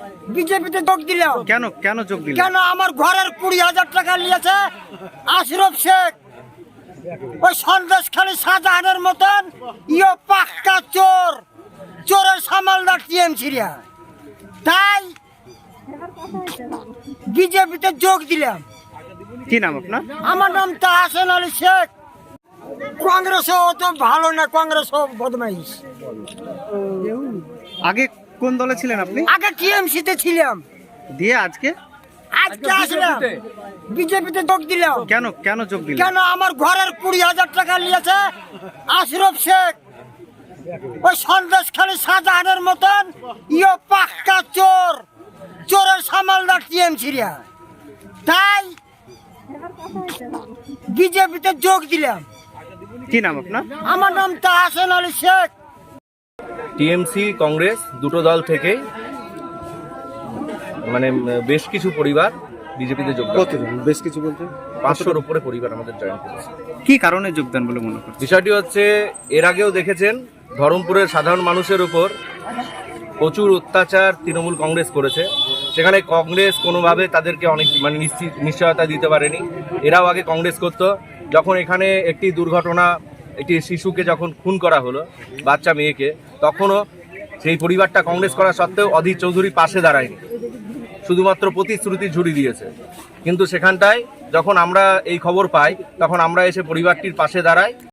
বিজেপিতে যোগ দিলাম। কেন কেন যোগ দিলেন? কেন আমার ঘরের 20,000 টাকা নিয়েছে আশরফ শেখ, ওই সন্দেশখালী শাহজাহানের মতন ইয়ো পাক্কা চোর, চোরের সামালদার টিএমসিরা। তাই বিজেপিতে যোগ দিলাম। কি নাম আপনার? আমার নাম তাহসেন আলী শেখ। কংগ্রেসও অত ভালো না, কংগ্রেসও বদমাইশ। আগে কোন দলে ছিলেন আপনি? আগে টিএমসিতে ছিলাম, দিয়ে আজকে আজকে আসলাম বিজেপিতে যোগ দিলাম। কেন কেন যোগ দিলেন? কেন আমার ঘরের 20,000 টাকা নিয়েছে আশরফ শেখ, ওই সন্দেশখালী শাহজাহানের মতন ইয়ো পাক্কা চোর, চোরের সামালদার টিএমসিরা। তাই বিজেপিতে যোগ দিলাম। কি নাম আপনার? আমার নাম তাহসেন আলী শেখ। টিএমসি কংগ্রেস দুটো দল থেকে মানে বেশ কিছু পরিবার বিজেপিতে যোগদান। কতজন? বেশ কিছু বলতে 500-র উপরে পরিবার আমাদের জয়েন করেছে। কি কারণে যোগদান বলে মনে করছেন? বিষয়টি হচ্ছে, এর আগেও দেখেছেন ধরমপুরের সাধারণ মানুষের উপর প্রচুর অত্যাচার তৃণমূল কংগ্রেস করেছে। সেখানে কংগ্রেস কোনোভাবে তাদেরকে অনেক মানে নিশ্চয়তা দিতে পারেনি। এরাও আগে কংগ্রেস করত। যখন এখানে একটি দুর্ঘটনা, একটি শিশুকে যখন খুন করা হলো, বাচ্চা মেয়েকে, তখনও সেই পরিবারটা কংগ্রেস করা সত্ত্বেও অধীর চৌধুরী পাশে দাঁড়ায়নি, শুধুমাত্র প্রতিশ্রুতি ঝুড়ি দিয়েছে। কিন্তু সেখানটায় যখন আমরা এই খবর পাই, তখন আমরা এসে পরিবারটির পাশে দাঁড়াই।